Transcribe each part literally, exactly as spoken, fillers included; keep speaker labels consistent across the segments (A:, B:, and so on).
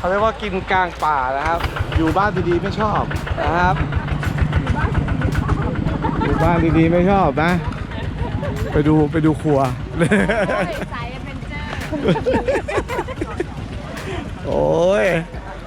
A: เขาเรียกว่ากินกลางป่านะครับอยู่บ้านดีๆไม่ชอบนะครับอยู่บ้านดีๆไม่ชอบนะไปดูไปดูครัว
B: สายแอดเวนเจอร์
A: โอ้ย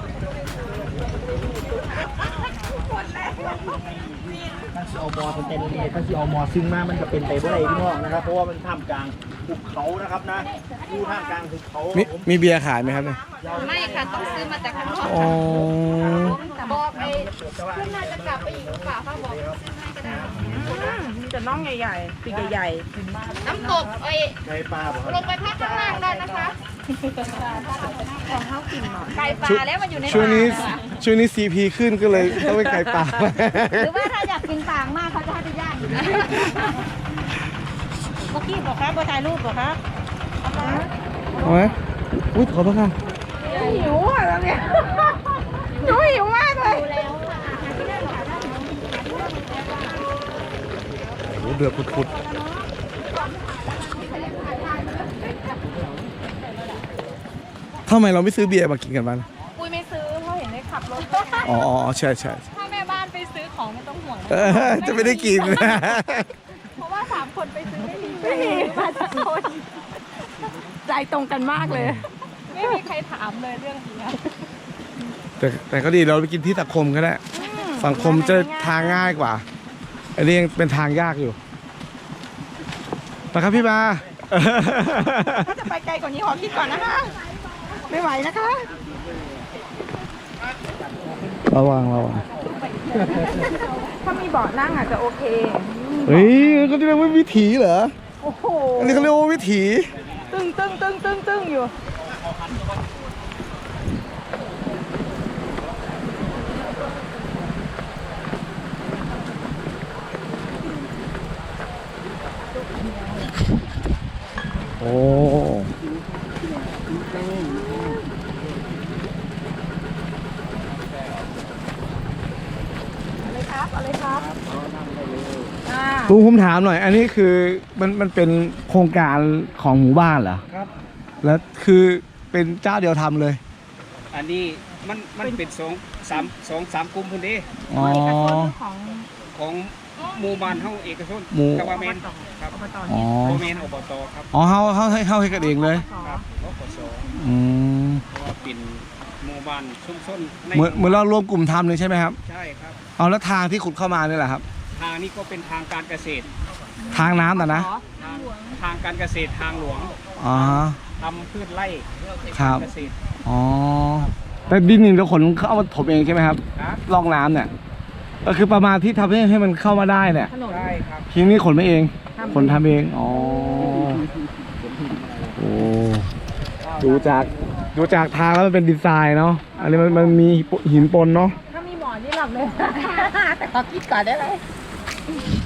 C: ถ้าซีอมอเป็นเต็มเลยถ้าซีอมอซึ่งมากมันจะเป็นไปบ่ได้พี่น้องนะครับเพราะว่ามันท่ามกลางภูเขานะครับนะอยู่ท่ามกลางภูเขา
A: มีมีเบียร์ขายไหมครับเนี่ย
B: ไม่ค่ะต้องซื้อมาจากข้างนอก
A: อ๋อ
B: บอกไปขึ้นน่าจะกลับไปอีกหรือเปล่าเขาบอกซื้อให้ก็ได้
D: มีแต่น่องใหญ่ๆปีกใหญ่
B: ๆน้ำตกไอ้
C: ไก่ปลาบอก
B: ลงไปพักข้างล่างได้นะคะของเขากินหน่อยไก่ปลาแล้วมันอยู่ใน
A: ช่วงนี้ช่วงนี้ซีพีขึ้นก็เลยต้องไปไก่ป่า
B: หรือว่าถ้าอยากกินปางมากเขาจะให้ไปย่างอยู่นะ
D: เมื่อกี้บอกครับบอถ่ายรูปบอกครับ
A: เอาไหมอุ้ยขอโทษค่ะ
D: หิวอ่ะตอนเนี้ยหนูหิวมากเลย
A: โอ้เดือดพุดๆทำไมเราไม่ซื้อเบียร์มากินกันบ้าง
B: ปุ้ยไม่ซื้อเพราะเห็นได้ขับรถ
A: อ๋อใช่ใช่
B: ถ้าแม่บ้านไปซื้อของไม่ต้องห่วง
A: จะไม่ได้กิน
B: เพราะว่าสามคนไปซื้อไม่มีไม่มีมาสักคน
D: ใจตรงกันมากเลย
B: ไม่มีใครถามเลยเรื่องนี้
A: แต่แต่ก็ดีเราไปกินที่สังคมก็ได้สังคมจะทางง่ายกว่าอันนี้ยังเป็นทางยากอยู่มาครับพี่มา
D: ถ้าจะไปไกลกว่านี้ขอคิดก่อนนะคะไม่ไหวนะคะ
A: ระวังระวัง
D: ถ้ามีเบาะนั่งอาจจะโอเค
A: เฮ้ยเขาเรียกว่าวิถีเหรอ
D: โอ้โห
A: อันนี้เขาเรียกว่าวิถี
D: ตึ้งตึ้งตึ้งตึ้งตึ้งอยู่
A: โอ้
D: อะไรครับอะไรครับ
A: ลุงผมถามหน่อย อันนี้คือมันมันเป็นโครงการของหมู่บ้านเหรอ
C: ครับ
A: แล้วคือเป็นเจ้าเดียวทำเลย
C: อันนี้มันมันเป็นสองสามสองสามกลุ่มพื้นที่
A: อ๋อ
D: ของ
C: ของหมู่บ้านเฮาเอกชนกบเมนครับ
A: อ๋อ
C: เมนอบตครับ
A: อ๋อเฮาเฮาให้เฮาให้กันเองเลย
C: ครับอบต
A: อืม
C: เพราะว่าเป็นหมู่บ้านชุมชน
A: เหมือนเหมือนเรารวมกลุ่มทำเลยใช่ไหมครับ
C: ใช่ครับ
A: เอาแล้วทางที่ขุดเข้ามานี่แหละครับ
C: ทางนี้ก็เป็นทางการเกษตร
A: ทางน้ำนะนะ
C: ทางการเกษตรทางหลวง
A: อ๋อ
C: ทำพืชไร่
A: ครับ
C: เกษตร
A: อ๋อแต่ดินนี่เราขนเข้ามาถมเองใช่ไหมครับร่องน้ำเนี่ยก็คือประมาณที่ทำให้ให้มันเข้ามาได้เนี่ย
C: ได้ครับ
A: ทีนี้ขนไม่เองขนทำเองอ๋อโอ้ดูจากดูจากทางแล้วมันเป็นดีไซน์เนาะอันนี้มันมันมีหินปนเนาะ
D: ถ้ามีหมอนนี่หลับเลยแต่ขอคิดก่อนได้ไหม